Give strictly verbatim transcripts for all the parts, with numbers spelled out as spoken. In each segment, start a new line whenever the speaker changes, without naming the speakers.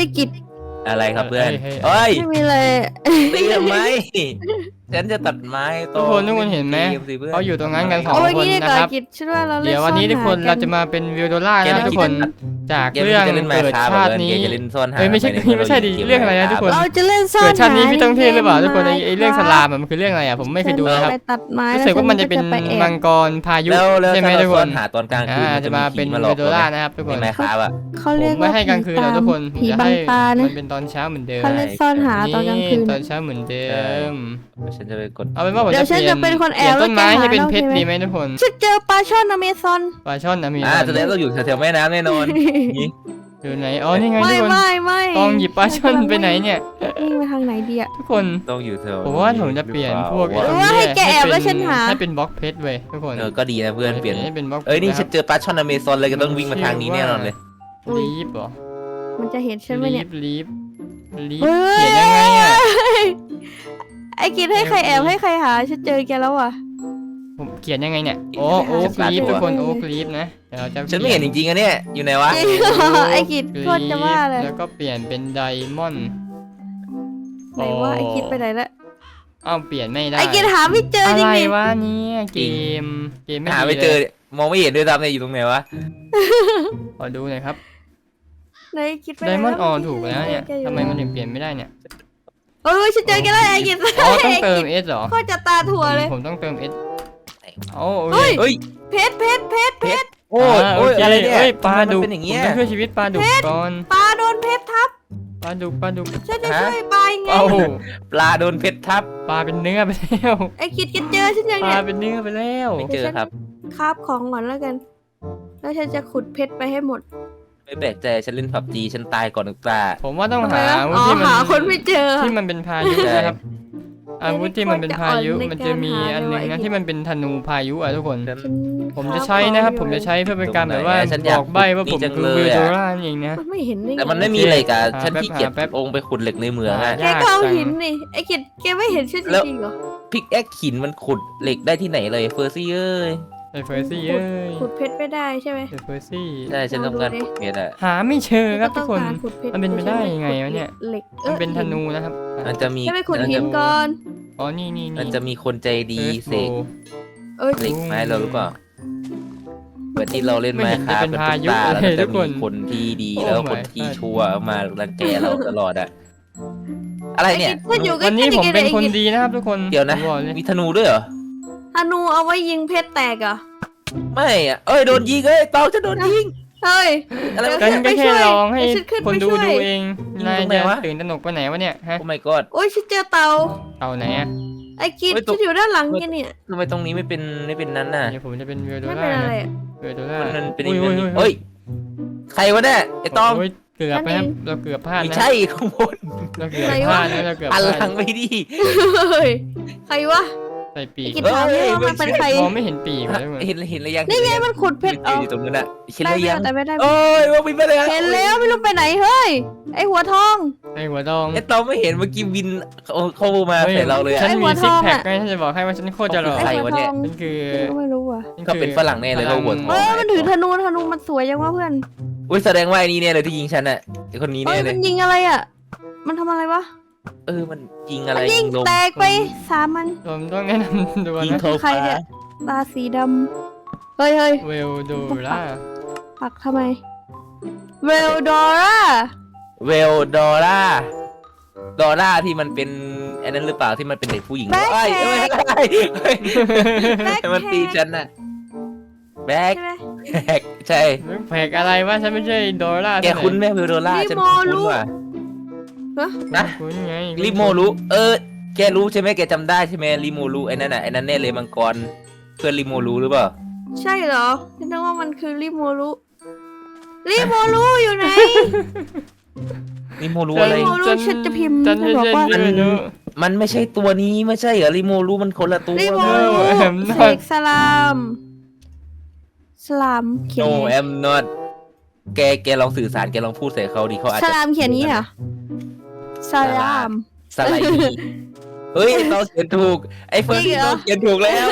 กิจ
อะไรครับเพื่อนเฮ้ย
ไม่มีเลย
ตีทำไมฉันจะตัดไม้
ทุกคนทุกคนเห็นไหมเขาอยู่ตรงนั้นกันสองคนนะครับเดี๋ยววันนี้ทุกคนเราจะมาเป็นวิวโดล่านะทุกคนจากเรื่องเกิดชาตินี้เฮ้ยไม่ใช่ไม่ใช่ดิเรื่องอะไรนะทุกคน
เราจะเล่นซ่อนหา
เกิดชาตินี้พี่ต้องเทพหรือเปล่าทุกคนไอ้เรื่องสลามมันคือเรื่องอะไรอ่ะผมไม่เคยดูนะครับรู้สึกว่ามันจะเป็นมังกรพายุใช่ไหมทุกคน
หาตอนกลางคืน
จะมาเป็นวิวโดล่านะครับทุกคน
ไม่ครับอ่ะ
เขาเรียก
ว่าไม่ให้กลางคืนเราทุกคน
ผีบังตานะ
มันเป็นตอนเช้าเหมือนเดิม
เขาเล่นซ่อนหาตอนกลางคืน
ตอนเช้าเหมือนเดิม
ฉันจะไปกด
เอาเป็นว่าผมจะเปลี่ยนต้นไม้ให้เป็นเพชรดีไหมทุกคน
ฉันเจอปลาช่อนอเมซอน
ปลาช่อนอเมซอน
อ่าแสดงเราอยู่แถวๆแม่น้ำแน่นอน
อยู่ไหนอ๋อนี่ไงทุกคน
ไม่ไม่
ต้องหยิบปลาช่อนไปไหนเนี่ย
วิ่งไปทางไหนดีอะ
ทุกคน
ต้องอยู่แถว
ผมว่าผมจะเปลี่ยนพวก
ว่าให้แกแอบแล้วฉันหา
ให้เป็นบล็อกเพชรเว้ยทุกคน
เออก็ดีนะเพื่อนเปลี่ยน
ให้เป็นบล็อก
เอ้ยนี่ฉันเจอปลาช่อนอเมซอนเลยก็ต้องวิ่งมาทางนี้แน่นอนเลย
ลีฟเหรอ
มันจะเห็นฉันไหมเนี่ย
ลีฟลีฟเขียนยังไงอะ
ไอ้กินให้ใครแอบให้ใครหาฉันเจอแกแล้วอ่ะ
ผมเขียนยังไงเนี่ยโอ้โอ๊กลีฟทุกคนโอ๊กลีฟนะเดี๋ยวเราจะ
ฉันไม่เห็นจริงๆอะเนี่ยอยู่ไหนวะ
ไอ้กิดโคตรจะว่าเลย
แล้วก็เปลี่ยนเป็นไดมอนด์
ไหนว่าไอ้กิดไปไหนละ
อ้าวเปลี่ยนไม่ได้
ไอ้กิดหาไม่เจอจริงๆ
อะไรวะเนี่ยเกมเกมไม่
หาไม่เจอมองไม่เห็นด้วยซ้ำเนี่ยอยู่ตรงไหนวะ
ขอดูหน่อยครับ
ไหนกิดไป
ไดมอนด์ออถูกแล้วเนี่ยทำไมมันถึงเปลี่ยนไม่ได้เนี่ย
เออฉันเจอแกแล้วไอ้กิด
อ๋อต้องเติมเอสเหรอ
โคตรจะตาถั่วเลย
ผมต้องเติมเอสโอ้
เฮ้ยเพชรเพชรเพชรเพชร
โอ้ยโอ้ยอะไรเนี่ย
ปลาดุกผมต้องช่วยชีวิตปลาดุกก่อน
ปลาโดนเพชรทับ
ปลาดุกปลาดุก
ฉันจะช่วยปลาไง
ปลาโดนเพชรทับ
ปลาเป็นเนื้อไปแล้ว
ไอ้กิดกิดเจอฉันยัง
เนี่ยป
ลา
เป็นเนื้อไปแล้ว
ไม่เจอครับ
คาบของก่อนแล้วกันแล้วฉันจะขุดเพชรไปให้หมด
ไม่แปลกใจฉันเล่นผับจีฉันตายก่อนหนึ่งตา
ผมว่าต้องหา
ที่มันหาคนไม่เจอ
ที่มันเป็นพายุนะครับอาวุธที่มันเป็นพายุมันจะมีอันหนึ่งนะที่มันเป็นธนูพายุอ่ะทุกคนผมจะใช้นะครับผมจะใช้เพื่อเป็นการแบบว่าบอกใบว่าผมคือวิวโดราเองนะ
ไม่เห็น
แต่มันไม่มีเหล็กอ่ะฉันขี้เกียจแป๊บองไปขุดเหล็กในเมืองอ่ะ
แกก็เอาหินนี่ไอ้กิดแกไม่เห็นฉันจริงเหรอ
พิกแอคหินมันขุดเหล็กได้ที่ไหนเลยเฟอร์ซี่เอ้ย
ไอ้เฟอร์ซี่เอ้ย
ขุดเพชรไม่ได้ใช่ไหม
ไอ้เฟอร์ซี่
ใช่ฉันต้องการขุดเพชรอ่ะ
หาไม่เจอครับทุกคนมันเป็นไปได้ยังไงวะเนี่ย
เหล็ก
มันเป็นธนูนะครับ
มันจะมี
ไปขุดหินก่อน
อ๋อนี่นี่
มันจะมีคนใจดีเสกเหล็กไม้เราหรือเปล่าเมื่อที่เราเล่นไม้คาเป็นพายุแล้วจะมีคนที่ดีแล้วคนที่ชั่วมารังแกเราตลอดอะอะไรเนี่ย
วันนี้ผมเป็นคนดีนะครับทุกคน
เดี๋ยวนะมีธนูด้วยเหรอ
ธนูเอาไว้ยิงเพชรแตกอ่ะ
ไม่อะเอ้ยโดนยิงเอ้ยเตาจะโดนยิง
เฮ้ย
อะไรกันก็แค่ลองให้คนดูดูเองนายจะตื่นตระหนกไปไหนวะเนี่ยฮะ
โอ้ my god
โอ้ยฉันเจอเตา
เตาไหนอะ
ไอ้กิดฉันอยู่ด้านหลังแกเนี่ย
ทำไมตรงนี้ไม่เป็นไม่เป็นนั้นน่ะ
ผมจะเป็นวิวโดล่า
ไม่เป็นอะไร
วิวโดล่า
มันเป็นเฮ้ยใครวะเนี่ยไอ้ต้อง
เกือบไปครับเราเกือบพลาดนะ
ไม่ใช่ข้างบน
เราเกือบพลาดนะเราเกือบ
อันหลังไม่ดี
ใครวะ
ใส่ปีก
เฮ้ยมันเป็นใคร
มองไม่เห็นปีกเลย
เห็นเห็นอะไรยัง
นี่ไงมันขุดเพชร
อยู่ตรงนั้นอะเห็นอะไรยัง
แต่ไม่ได้
โอ้ยว่าบินไปเลย
เห็นแล้วไม่รู้ไปไหนเฮ้ยไอหัวทอง
ไอหัวทอง
ไอตองไม่เห็นเมื่อกี้บินเข้ามาใส่เราเลย
ฉันมีซิกแพคไงฉันจะบอกให้ว่าฉันโคตรจะหล่อ
ใครวะเนี่ย
นั่นคือ
ไม่รู้อ่ะ
เขาเป็นฝรั่งแน่เลยเราหัวทอง
เออมันถือธนูธนูมันสวยยังวะเพื่อน
อุ้ยแสดงว่าไอ้นี่เนี่ยเลยที่ยิงฉันอะไอคนนี้เนี่ยเลย
มันยิงอะไรอะมันทำอะไรวะ
เออมันยิงอะไร
ยิงแตกไปสามมัน
ผมต้องแนะนำดูนะ
ใครเนี่ยตาสีดำเฮ้ยเฮ้ย
เวลโดล่า
ปักทำไมเวลดอร่า
เวลดอร่าดอร่าที่มันเป็นไอ้นั้นหรือเปล่าที่มันเป็นเด็กผู้หญิงไอ้ไม่ใช่มันตีฉันน่ะแบกแบกใช่
แบกอะไรวะฉันไม่ใช่ดอร่า
แกคุ้นไหมเวลดอร่าฉันคุ้นว่ะนะริโมรุเออแกรู้ใช่ไหมแกจำได้ใช่ไหมริโมรุไอ้นั่นน่ะไอ้นั่นแน่เลยมังกรเพื่อนริโมรุหรือเปล่า
ใช่เหรอฉันนึกว่ามันคือริโมรุริโมรุอยู่ไหน
ริโมรุอะไร
ฉันจะพิมพ์ฉันบอกว่า
มันไม่ใช่ตัวนี้ไม่ใช่เหรอริโมรุมันคนละตัว
ริโมรุเสกสลามสลามเขียน
No I'm not แกแกลองสื่อสารแกลองพูดใส่เขาดิเขาอาจจะ
สลามเขียนนี้เหรอสลาม
สไลด์เฮ้ยเราเขียนถูกไอ้เฟิร์สเราเขียนถูกแล้ว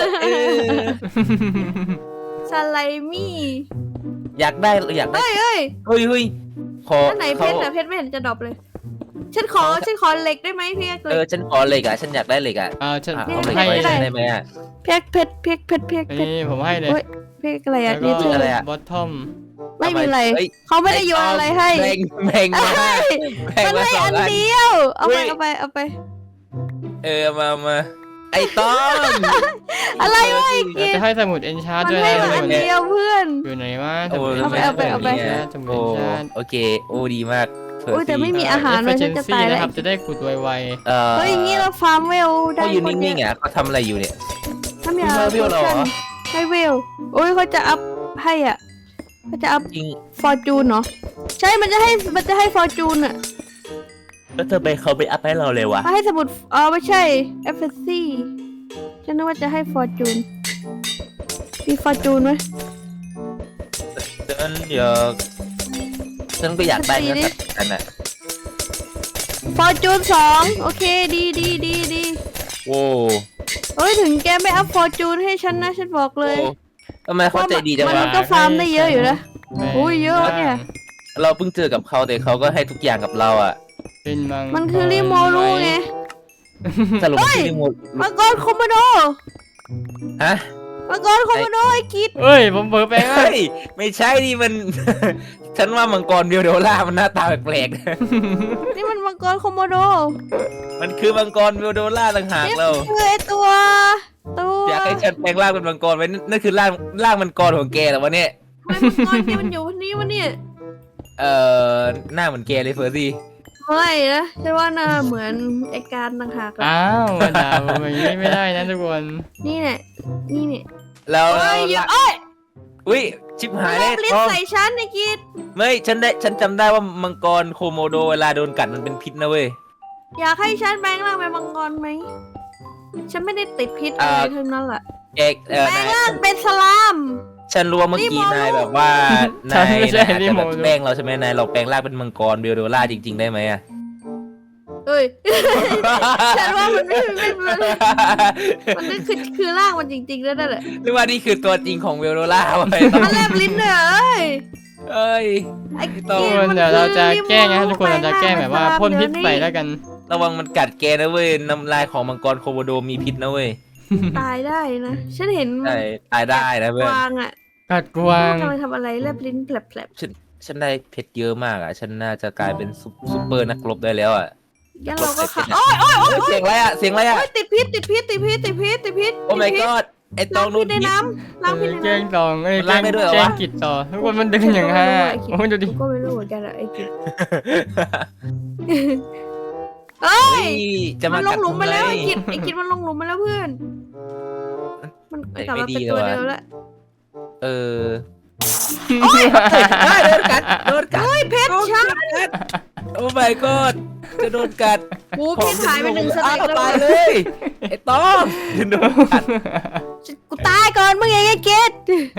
สไลมี่
อยากได้อยากได้
เฮ้ยเฮ้ย
เฮ้ยเฮ้ยพอ
อันไหนเพ
เขา
ชรอะเพชรไม่เห็นจะดรอปเลย ฉันขอฉันขอเหล็กได้ไหมเพียกเห
เอ
ล็
อก ฉันขอเหล็กอ่ะฉันอยากได้เหล็กอ่ะ
อ่าฉัน
อ่ะ
ผ
เอา
ม
เหล็ก
ให้
ไป
ได้
ได้ไหมอ่ะ
เพชรเพชรเพชรเพชรเพชรเพชร
นี่ผมให้เลย
โอ้ยเพชรอะไร
แล้
อะ
ว
นี่
ก็
เธอ
อะไรอะ
บอททอม
ไม่มีอะไร
เฮ้ย
เขาไม่ได้โยนอะไรให้
แบ่งแบ่งมา
เอ้ย
แบ่ง
มัน
มา
ให้
สอง
อัน
อัน
เดียว เอาไป
เฮ้ย
เอาไปเอาไป
เออมามาไอ้ต้อม
อะไรวะ
เราจะให้สมุดเอนชาร์
มัน
ด้วย
ให้
นะ
มา
ทุก
อั
คน น
เดียวเพื่อน
อยู่ไหนวะส
โอ้
มุด
ทำไม
เอาไป
เอน
เอาไป
ชาร์
เอาไป
สมุด
โอ้
เอนชาร์
โอเคโอ้ดีมาก
โอ้ยแต่ไม่มีอาหาร
เอ
เลย
ฟเฟ
ฉั
ช
น
น
จะ
ซี่
ตาย
นะ
แล้ว
ครับจะได้ขุดไว
เออ
เฮ้ยอย่างงี้เราฟาร์มเวลได้
เขาอยู่
คนเดี
นิ่
ยว
งๆอ่ะเขาทำอะไรอยู่เนี่ย
ถ้ามี
คุณ
อะไร
เวลเหรอ
ให้เวลโอ้ยเขาจะอัพให้อ่ะเขาจะอัพ
จริง
ฟอร์จูนเนาะใช่มันจะให้มันจะให้ฟอร์จูนอ่ะ
แล้วเธอไปเขาไปอัพให้เราเลยวะ
มาให้สมุดอ๋อไม่ใช่เอฟเอสซีฉันนึกว่าจะให้ฟอร์จูนมีฟอร์จูนไหม
ฉันอยากฉันก็อยากได้นะสักอันอ่ะ
ฟอร์จูนสองโอเคดีดีดีดี
โว้
เอ้ยถึงแกไม่อัพฟอร์จูนให้ฉันนะฉันบอกเลย
ทำไมเขาใจดีจัง
มัน
วะ
ก็ฟาร์มได้เยอะอยู่นะ
ๆ
โอ้ยเยอะเนี่ย
เราเพิ่งเจอกับเขาแต่เขาก็ให้ทุกอย่างกับเราอ่ะ
เป็นมัง
มันคือริโมรูไง
สรุปที่หมด
มังกรโคโมโด
ฮะ
มังกรโคโมโดไอ้กิด
เฮ้ยผมเผลอแปลงร่าง
เฮ้ยไม่ใช่ดิมัน ฉันว่ามังกรเบียวเดล่ามันหน้าตาแปลกๆนะ
นี่มันมังกรโคโมโด
มันคือมังกรเบียวเดล่าต่างหาก
นี่
เรา
คือไอตัวตัว
อยากให้ฉันแปลงร่างเป็นมังกรไว้นั่นนั่นคือร่างร่างมังกรของแกเหรอวะเนี่ย
ทำไมมังกรแกมันอยู่วันนี้วะเนี่ย
เอ่อหน้าเหมือนแกเลยเฟอร์ซี่
ไม่นะฉันว่าหน้าเหมือนไอการต่างหากอะ
อ้าวมาด่าผมอย่างนี้ไม่ได้นะทุกคน
นี่เนี่ยนี่เนี่ย
แล้ว
เอ้ยอย่า
แล้ว
เอ้ย
อุ้ยชิบหาย
แล
เลย
บลิ้น
ทอง
ใส่ฉันไอ้กิด
ไม่ฉันได้ฉันจำได้ว่ามังกรโคโมโดเวลาโดนกัดมันเป็นพิษนะเว้ย
อยากให้ฉันแปลงร่างเป็นมังกรไหมฉันไม่ได้ติดพิษอะไรทั้งนั้นแหละ
เอกเออ
แปล
นาง ย
ร่างเป็นสลาม
ฉันรู้ว่าเมื่อกี้
นี่โมโน
นายแบบว่า
ฉั
นาน ย
ไม่ใช่
นายอาจ
นี่
จะ
โม
แบบ
โน
แกล้งเราใช่ไหมนายเราแปลงร่างเป็นมังกรเบียวเดล่าจริง ๆ ได้ไหมอะ
เอ้ย ฉันว่ามันไม่ไม่มันมันนั่นคือคือร่างมันจริงๆแล้วนั่นแหละ
หรือว่านี่คือตัวจริงของเบียวเดล่าวะไอ้ต้อ
มันแลบลิ้นเลยเอ้ย
เอ้ย
ไอ้
ทุ
ทุก
กิ
คน
มัน
เดี๋ยวเราจะ
คือ
แกล้งนะ
รีโม
ทุกคนเราจะแกล้งแบบว่าพ่นพิษใส่แล้วกัน
ระวังมันกัดแกนะเว้ยน้ำลายของมังกรโคโมโดมีพิษนะเว้ย
ตายได้นะ ฉันเห็น
ใช่ตายได้นะเพื่
ก
อน
วางอ่ะ
กัดกวาง
กำลังทำอะไรแลบลิ้นแผลบ
ฉันฉันได้เพชรเยอะมากอ่ะ ฉันน่าจะกลายเป็นซุปซุปเปอร์นักรบได้แล้วอ่ะ
ๆงั้นเราก็ขับ
โอ้
โอ้ยโอ้ยโอ้ย
เสียงอะไรอ่ะเสียงอะไรอ่ะ
โอ้ยติดพิษติดพิษติดพิษติดพิษติดพิษ
โอ้ my
ติดพิษ
god ไอ้ต
ล้า
อง ง
พิ
นู่
ษ
น
ใน
พิษ
น้ำล้างพิษใน
แกล้
น้ำ
งตองเอ้ย
มัน
แกล้
ลาก
ง
ได้ด้วยเหรอ
แกล้ง
วะ
กิดต่อทุกคนมันดึงอย่างฮะโอ้ยดูดิ
กูก็ไม่รู้เหมือนกันอะไอ้กิจเอ้ย
เฮ้ยจะ
มั
มาน
ล
กั
ง
ด
หลุมไปแล้ว
ทำ
ไอ้
ไม
กิจไอ้กิจมันลงหลุมไปแล้วเพื่อน มัน
ไม่
กลับมา
ไม่ดี
เป็นตัว
เลย
เดิ
ว่ะ
มแล้ว
เออโอ้ยโดนกัดโดนกัด
เฮ้ยเพชรฉัน
โอ้ my god จะโดนกัด
กูเพชรหายไปหนึ่งส
อ้า
เต็
ว
กแล้ว
ตายเลยไอ้ต้องโดนกัด
กูตายก่อนมึงไงไอ้กิจ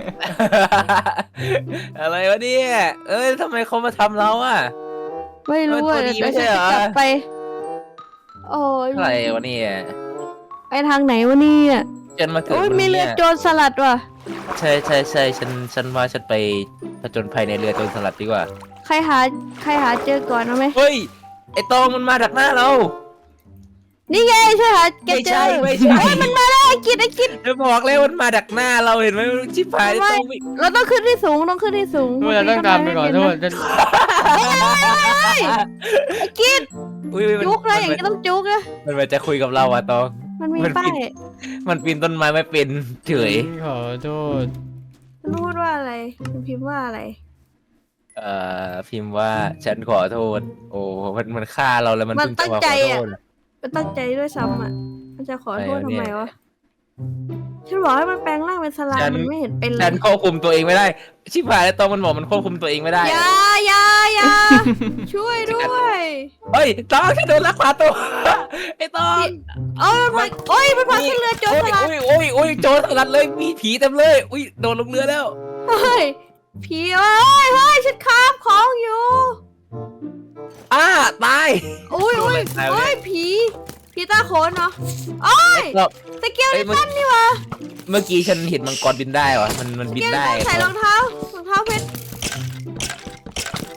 อะไรวะเนี่ยเอ้ยทำไมเขามาทำเราอ่ะ
ไม่รู้อ่ะ
เออตัวดี
เดี๋ยว
ไม่ใช่
ฉัน
เหรอ
จะกลับไป โอ้ย
อะไรวะเนี่ย
ไปทางไหนวะเนี่ย
ฉันมาเกิด
โอ้ย
บน
มี
นี้
เรือ
อะ
โจรสลัดว่ะ
ใช่ใช่ใช่ฉันฉันว่าฉันไปผจญภัยในเรือโจรสลัดดีกว่า
ใครหาใครหาเจอก่อนเอาไหม
เฮ้ยไอ้ตองมันมาดักหน้าเรา
นี่ไงช่วยหาแก
ไม่
เจ
ใช่
อ
ไม่ใช่
เฮ้ยมันมาแล้วไอ้กิจไอ้กิจ
จะบอกเลยมันมาดักหน้าเราเห็นไหมชิบหาย
ไม่
ต้องวิ่ง
เราต้องขึ้นที่สูงต้องขึ้นที่สูง
ทุกคนเราต้องตามไปก่อนทุกคนจะ
ไอ้กิจ
อุ้ยอุ๊ยมัน
จุกเลยอย่างนี้ต้องจุกนะ
มันมันจะคุยกับเราอะตอง
มันมี
มัน
ป้า
ผิ
ย
ด มันปีนต้นไม้ไม่เป็นเฉย
ขอโทษ
มันพูดว่าอะไรมันพิมพ์ว่าอะไร
เอ่อพิมพ์ว่าฉันขอโทษ โอ้มันมันฆ่าเราแล้วมัน
มัน
เพิ่งจะมา
ตั้งใจ
ขอ
อะ
โทษ
มันตั้งใจด้วยซ้ำอ่ะมันจะขอโทษ
อะไร
ทำ
วะเนี่ย
ไมวะฉันบอกให้มันแปลงร่างเป็นสลา
ฉั
ม
น
มันไม่เห็นเป็นเล
ฉั
ย
นควบคุมตัวเองไม่ได้ ชิบหายแล้วตองมันบอกมันควบคุมตัวเองไม่ได้
อย่าอย่าอย่าช่วยด้วย
เฮ้ยตองแค่โดนลักพาตัว ไอ้ตอง
เอ้ยมันโอ้ยมันพังขึ้นเรือโจรสลัด
โอ้ยโอ้ยโอ้ยโจรสลัดเลยมีผีเต็มเลยอุ้ยโดนลงเรือแล้ว
เฮ้ยผีเอ้ยเฮ้ยฉันคาบของอยู่
อ้าตาย
โอ้ยโอ้ย
โดนอะไรตายวะ
โอ้
เนี่ย
ยผีผีตาโขนเนาะโอ้ย
แล้ว
สเกล
เอ้
นิ
ยเมื่อ
ตันนี่วะ
เมื่อกี้ฉันเห็นมังกรบินได้วะมันมัน
ส
บิน
เกลนิ
ได้
ตันใส่รองเท้ารองเท้าเพชร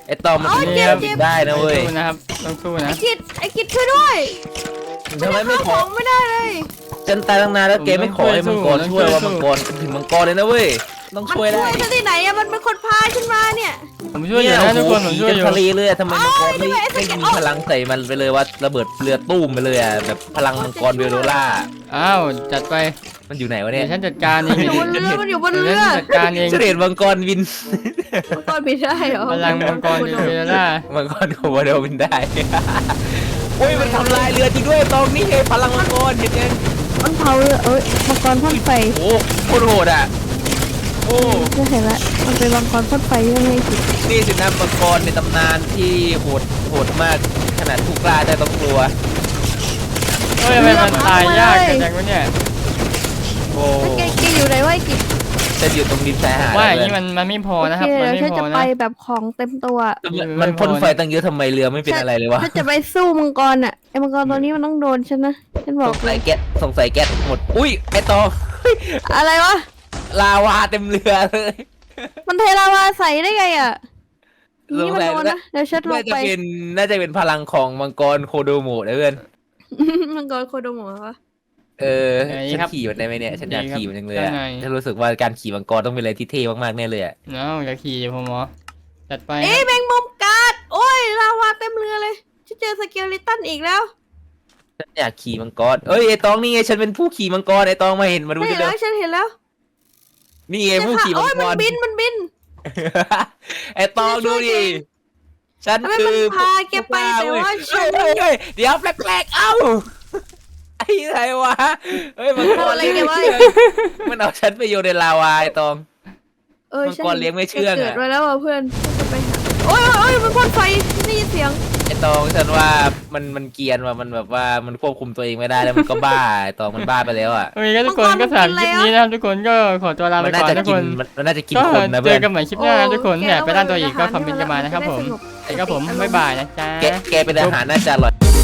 ไอ้ตองมัน
โอ้ย
กิน
เจ็บ
แล้ว
เจ็บ
ได้นะเว้ย
สู้นะครับต้องสู้นะ
ไอ้กิดไอ้กิดช่วยด้วย
ทำไมไม่ข
ข
อ
องไม่ได้เลย
ฉันตายตั้งนานแล้วแกไม่ขอให้มังกรช่วยว่ามังกรถึงมังกรเลยนะเว้ยต้อง
มัน
ช่วยได้
ช่วยฉันที่ไหนอะมันเป็นคนพาฉันมาเนี่ย
ผมช่วยอยู่นะทุกคนผมช่วยอยู่
ทะเลเลยทำไมมังกรไม่
โอ้ยทำไมไอ้
ไม่
สเก็ต
มีพลังใส่มันไปเลยว่าระเบิดเรือตู้มไปเลยอ่ะแบบพลังมังกรเวโรล่า
อ้าวจัดไป
มันอยู่ไหนวะ
เดี๋
เนี่ย ยว
ฉันจัดการเอง
มันอยู่บนเรือมันอยู่บน
เดี๋ยว
เรือ
ฉันจัดการเอง
ฉันเห็นมังกรวิน
มังกรบินได้เหรอ
พลังมังกรเดลล่า
มังกรโคโมโดวินได้โอ้ยมันทำลายเรือจริงด้วยตรงนี้ไงพลังมังกรเห็นยัง
มันเผาเรือเอ้ยมังกรพ่นไฟ
โอ้โคตรโหดอ่ะโอ้
จะเห็นละมันเป็นมังกรพ่นไฟยังไงสิ
นี่สินะมังกรในตำนานที่โหดโหดมากขนาดผู้กล้าได้ต้องกลัว
เฮ้ยทำไมมันตายยากกันจังวะเนี่ย
โอ้
แล้วแกแกอยู่ไหนวะไอ้กิจ
จะอยู่ตรงดินชายหาด
ว่าอย่าง
เล
นี้
ย
มันมันไม่พอ
โอ
นะค
เครับ
มัน
เดี๋ยว
ไม่
ฉัน
พอ
จะ
นะ
ไปแบบของเต็มตัว
มันพ่นไฟตั้งเยอะทำไมเรือไม่เป็นอะไรเลยวะ
ฉันจะไปสู้มังกรอ่ะไอ้มังกรตัวนี้มันต้องโดนฉันนะฉันบ
ส
อก
ง
เล
สัย
ย
แก๊สสงสัยแก๊สหมดอุ้ยไอตอง
อะไรวะ
ลาวาเต็มเรือเลย
มันเทลาวาใส่ได้ไงอ่ะ
ส
นี่
ง
มัน
สัย
โดนนะเดี๋ยวฉันล
น่าง จะ
ไป
เป็นน่าจะเป็นพลังของมังกรโคโดโมะนะเพื่อน
มังกรโคโดโมะวะ
เออฉันขี่มันได้ไหมเนี่ยฉันอยากขี่มันจังเลยอะ
ยังไง
ฉันรู้สึกว่าการขี่มังกรต้องเป็นอะไรที่เท่มากๆแน่เลยอะ
เนาอย่าขี่เดี๋ยวผมหมอจัดไป
เอ้ยแมงมุมกัดโอ้ยลาวาเต็มเรือเลยฉันเจอสเกลิตันอีกแล้ว
ฉันอยากขี่มังกรเอ้ยไอตองนี่ไงฉันเป็นผู้ขี่มังกรไอตองมาเห็นมาดู
ไม่
ดิ
เห็น
เดี๋
แล้
ยว
วฉันเห็นแล้ว
นี่ไงผู้ขี่มั
โอ้
ง
ย
ก
มัน
ร
บินมันบิน
ไอตองดูดิฉัน
ทำไม
คื
มัน
อ
พาแกไปแต่ว่าฉัน
เฮ้ยเฮ้ยเดี๋ยวแปลกๆเอ้าไอ้ไรวะเฮ้ยมังกร
อะไรแกวะ
มันเอาฉันไปโยนในลาวาไอตอง
เออ
มังกรเลี้ยงไม่เชื่องอะ
เกิดไว้แล้วอ่ะเพื่อนจะไปหาโอ้ยโอ้ยมันพ่นไฟได้ยินเสียง
ไอตองฉันว่ามันมันเกรียนว่ะมันแบบว่ามันควบคุมตัวเองไม่ได้แล้วมันก็บ้าไอตองมันบ้าไปแล้วอ่ะ
โอเคก็ทุกคนก็สำหรับคลิปนี้นะครับทุกคนก็ขอตัวลาไป
มันน่า
ก่อน
จะ
ทุก
กิ
คน น
มันมันน่าจะกิน
ก็
คนนะ
เจ
เพื่อ
อน กันใหม่คลิปหน้านะทุกคน
โอ้
เนี่ยไปด้านตัว
แก
อีกก็คอมเมนต์กันมานะครับผม
จะได้สงบ
ไอ้ก็ผมบ๊ายบายนะจ๊ะ
แกแกเป็นอาหารน่าจะอร่อย